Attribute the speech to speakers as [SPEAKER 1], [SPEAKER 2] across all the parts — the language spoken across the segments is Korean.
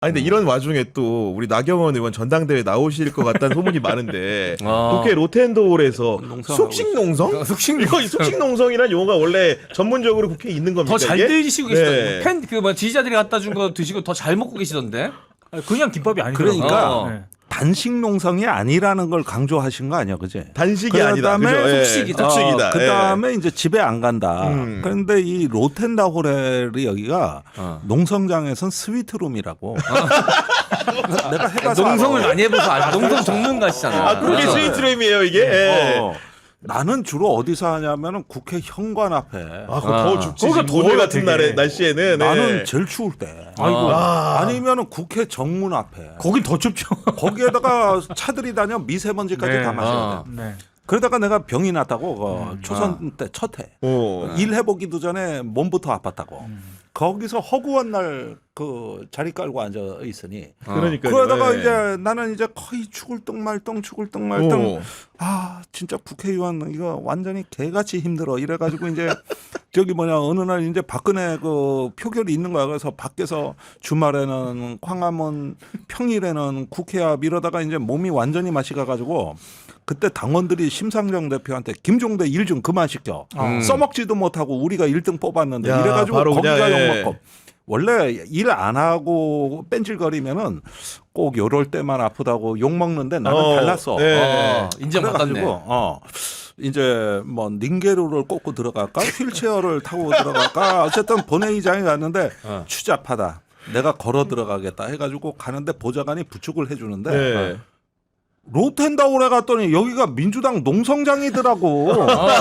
[SPEAKER 1] 아니 근데 이런 와중에 또 우리 나경원 의원 전당대회 나오실 것 같다는 소문이 많은데 국회 로텐도홀에서 속식농성? 속식농성이란 용어가 원래 전문적으로 국회에 있는 겁니까?
[SPEAKER 2] 더 잘
[SPEAKER 1] 이게?
[SPEAKER 2] 드시고 계시던데. 팬 그 뭐 지지자들이 갖다 준 거 드시고 더 잘 먹고 계시던데.
[SPEAKER 3] 그냥 김밥이 아니더라고요.
[SPEAKER 4] 그러니까
[SPEAKER 3] 네.
[SPEAKER 4] 단식 농성이 아니라는 걸 강조하신 거 아니야, 그지?
[SPEAKER 1] 단식이 아니다.
[SPEAKER 4] 그다음에
[SPEAKER 1] 그죠? 예.
[SPEAKER 2] 속식이다.
[SPEAKER 1] 속식이다.
[SPEAKER 4] 그 다음에 이제 집에 안 간다. 그런데 이 로텐다 호텔이 여기가 농성장에선 스위트룸이라고. 내가 해가서
[SPEAKER 2] 농성을
[SPEAKER 4] 알아.
[SPEAKER 2] 많이 해봐서 알아. 농성 전문가시잖아.
[SPEAKER 1] 아 그게 스위트룸이에요 이게. 예.
[SPEAKER 4] 나는 주로 어디서 하냐면은 국회 현관 앞에.
[SPEAKER 1] 아, 그거 더 춥지.
[SPEAKER 3] 거기가
[SPEAKER 1] 지금 오늘
[SPEAKER 3] 더워요,
[SPEAKER 1] 같은
[SPEAKER 3] 되게.
[SPEAKER 1] 날에 날씨에는.
[SPEAKER 4] 나는 제일 추울 때.
[SPEAKER 3] 아이고.
[SPEAKER 4] 아니면은 국회 정문 앞에.
[SPEAKER 3] 거긴 더 춥죠.
[SPEAKER 4] 거기에다가 차들이 다녀 미세먼지까지
[SPEAKER 3] 네.
[SPEAKER 4] 다 마셔야 돼.
[SPEAKER 3] 네.
[SPEAKER 4] 그러다가 내가 병이 났다고 초선 때 첫 해.
[SPEAKER 1] 어.
[SPEAKER 4] 일 해보기도 전에 몸부터 아팠다고. 거기서 허구한 날 그 자리 깔고 앉아 있으니.
[SPEAKER 1] 그러니까.
[SPEAKER 4] 그러다가 이제 나는 이제 거의 죽을 똥말똥 아 진짜 국회의원 이거 완전히 개같이 힘들어 이래가지고 이제 저기 뭐냐 어느 날 이제 박근혜 그 표결이 있는 거야. 그래서 밖에서 주말에는 광화문 평일에는 국회 앞 이러다가 이제 몸이 완전히 맛이 가가지고 그때 당원들이 심상정 대표한테 김종대 일 좀 그만 시켜 써먹지도 못하고 우리가 1등 뽑았는데
[SPEAKER 1] 야,
[SPEAKER 4] 이래가지고
[SPEAKER 1] 바로
[SPEAKER 4] 거기가
[SPEAKER 1] 그냥, 예.
[SPEAKER 4] 욕먹고 원래 일 안 하고 뺀질거리면은 꼭 요럴 때만 아프다고 욕 먹는데 나는 달랐어.
[SPEAKER 1] 네.
[SPEAKER 2] 인정받았네.
[SPEAKER 4] 그래가지고 이제 뭐 닌게루를 꽂고 들어갈까 휠체어를 타고 들어갈까 어쨌든 본회의장에 갔는데 추잡하다. 내가 걸어 들어가겠다 해가지고 가는데 보좌관이 부축을 해주는데
[SPEAKER 1] 네.
[SPEAKER 4] 로텐다울에 갔더니 여기가 민주당 농성장이더라고.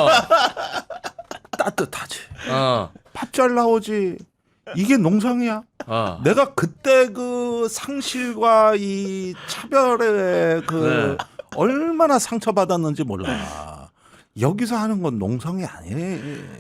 [SPEAKER 4] 따뜻하지. 밥 잘 나오지. 이게 농성이야. 내가 그때 그 상실과 이 차별에 그 얼마나 상처받았는지 몰라. 여기서 하는 건 농성이 아니래.